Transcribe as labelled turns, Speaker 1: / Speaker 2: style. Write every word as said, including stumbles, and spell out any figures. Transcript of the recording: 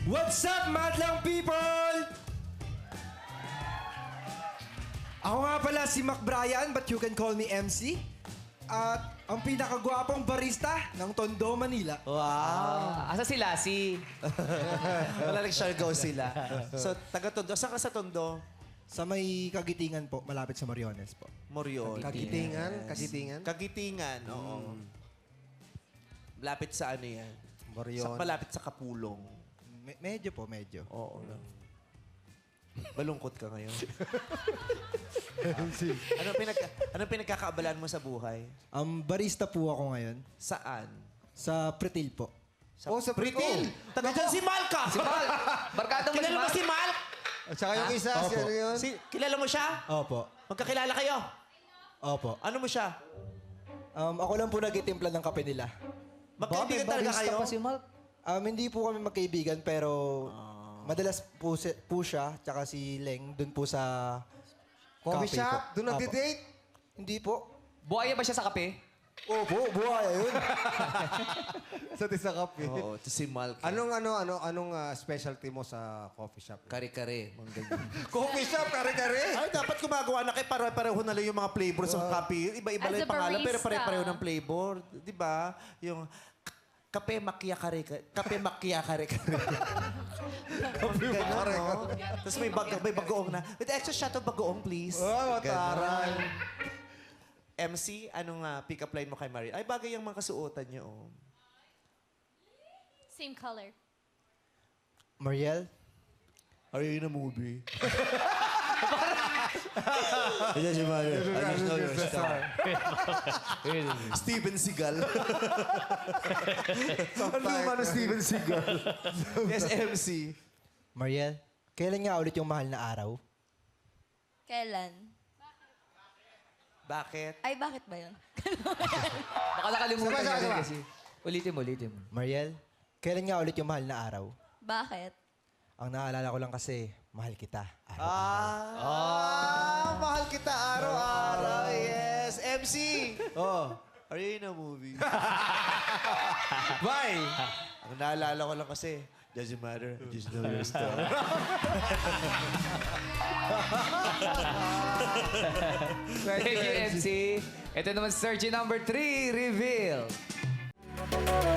Speaker 1: What's up, madlang people? Ako nga pala si Mac Bryan, but you can call me M C. At ang pinakagwapong barista ng Tondo, Manila.
Speaker 2: Wow.
Speaker 3: Ah, asa si Lassie?
Speaker 2: Wala lang siya go sila. So, taga Tondo. Saan ka sa Tondo?
Speaker 1: Sa may Kagitingan po, malapit sa Moriones po.
Speaker 2: Morion.
Speaker 4: Kagitingan? Kagitingan?
Speaker 2: Kagitingan, oo. Malapit sa ano yan?
Speaker 4: Morion.
Speaker 2: Sa, malapit sa Kapulong.
Speaker 1: Me- medyo po, medyo.
Speaker 2: Oo lang. Balungkot ka ngayon. ano pinagka ano pinagkakaabalan mo sa buhay?
Speaker 1: Um, barista po ako ngayon
Speaker 2: Saan?
Speaker 1: sa Pretil po.
Speaker 2: Sa
Speaker 4: Oh, sa
Speaker 2: Pritil. Taga dyan si Malka.
Speaker 3: Si Mal! Barkada mo si
Speaker 2: Kilala mo
Speaker 3: Mal!
Speaker 2: si Mal?
Speaker 4: At saka yung isa,
Speaker 1: Opo.
Speaker 4: si ano yun?
Speaker 2: Si, kilala mo siya?
Speaker 1: Opo.
Speaker 2: Magkakilala kayo?
Speaker 1: Opo.
Speaker 2: Ano mo siya?
Speaker 1: Um, ako lang po nagitimpla ng kape nila.
Speaker 2: Magkaibigan talaga kayo?
Speaker 3: pa si Mal.
Speaker 1: Um, hindi po kami magkaibigan, pero madalas po, si, po siya, tsaka si Leng, dun po sa
Speaker 4: Coffee
Speaker 1: cafe
Speaker 4: shop?
Speaker 1: po.
Speaker 4: Doon
Speaker 1: Apo.
Speaker 4: nagdi-date?
Speaker 1: Hindi po.
Speaker 3: Buhaya ba siya sa kape?
Speaker 1: Opo, buhaya yun.
Speaker 4: Sa tisa kape.
Speaker 2: Oo, ito si Malka.
Speaker 4: Anong ano ano anong ah, specialty mo sa coffee shop?
Speaker 2: Kare-kare. Mga ganyan.
Speaker 4: Coffee shop, kare-kare.
Speaker 2: Ay, dapat gumagawa na kayo. Pare-pareho na lang yung mga flavors ng kape. Iba-iba
Speaker 5: As
Speaker 2: lang
Speaker 5: a
Speaker 2: yung pangalan, pero
Speaker 5: barista.
Speaker 2: pare-pareho ng flavor. Di ba? Yung k- kape makia kare kape makia kare kare. Kape makia no? Tapos may bag may bagoong na. With extra shot of bagoong, please.
Speaker 4: Oh, taray.
Speaker 2: M C, anong uh, pick-up line mo kay Marie? Ay, bagay yung mga kasuotan niyo. Oh.
Speaker 5: Same color.
Speaker 1: Mariel,
Speaker 2: Are you in a movie? Ayan si Mario. I just know you're a star. Steven Seagal.
Speaker 4: Ano naman Steven Seagal?
Speaker 2: Yes, M C.
Speaker 1: Mariel, kailan nga ulit yung mahal na araw?
Speaker 5: Kailan?
Speaker 2: Bakit?
Speaker 5: Ay, bakit ba yun?
Speaker 3: Baka nakalimutan
Speaker 4: Sama,
Speaker 3: niya
Speaker 4: sama,
Speaker 3: rin
Speaker 4: sama.
Speaker 3: kasi. Ulitin mo, ulitin mo.
Speaker 1: Mariel, kailan nga ulit yung mahal na araw?
Speaker 5: Bakit?
Speaker 1: Ang naalala ko lang kasi, mahal kita. Araw.
Speaker 2: Ah, ah, mahal kita araw-araw. Yes. M C.
Speaker 1: Oh,
Speaker 2: Are you in a movie?
Speaker 1: bye!
Speaker 2: Ang naalala ko lang kasi, doesn't matter. I just know you're a star.
Speaker 3: Thank you, M C. Ito naman, search number three, reveal.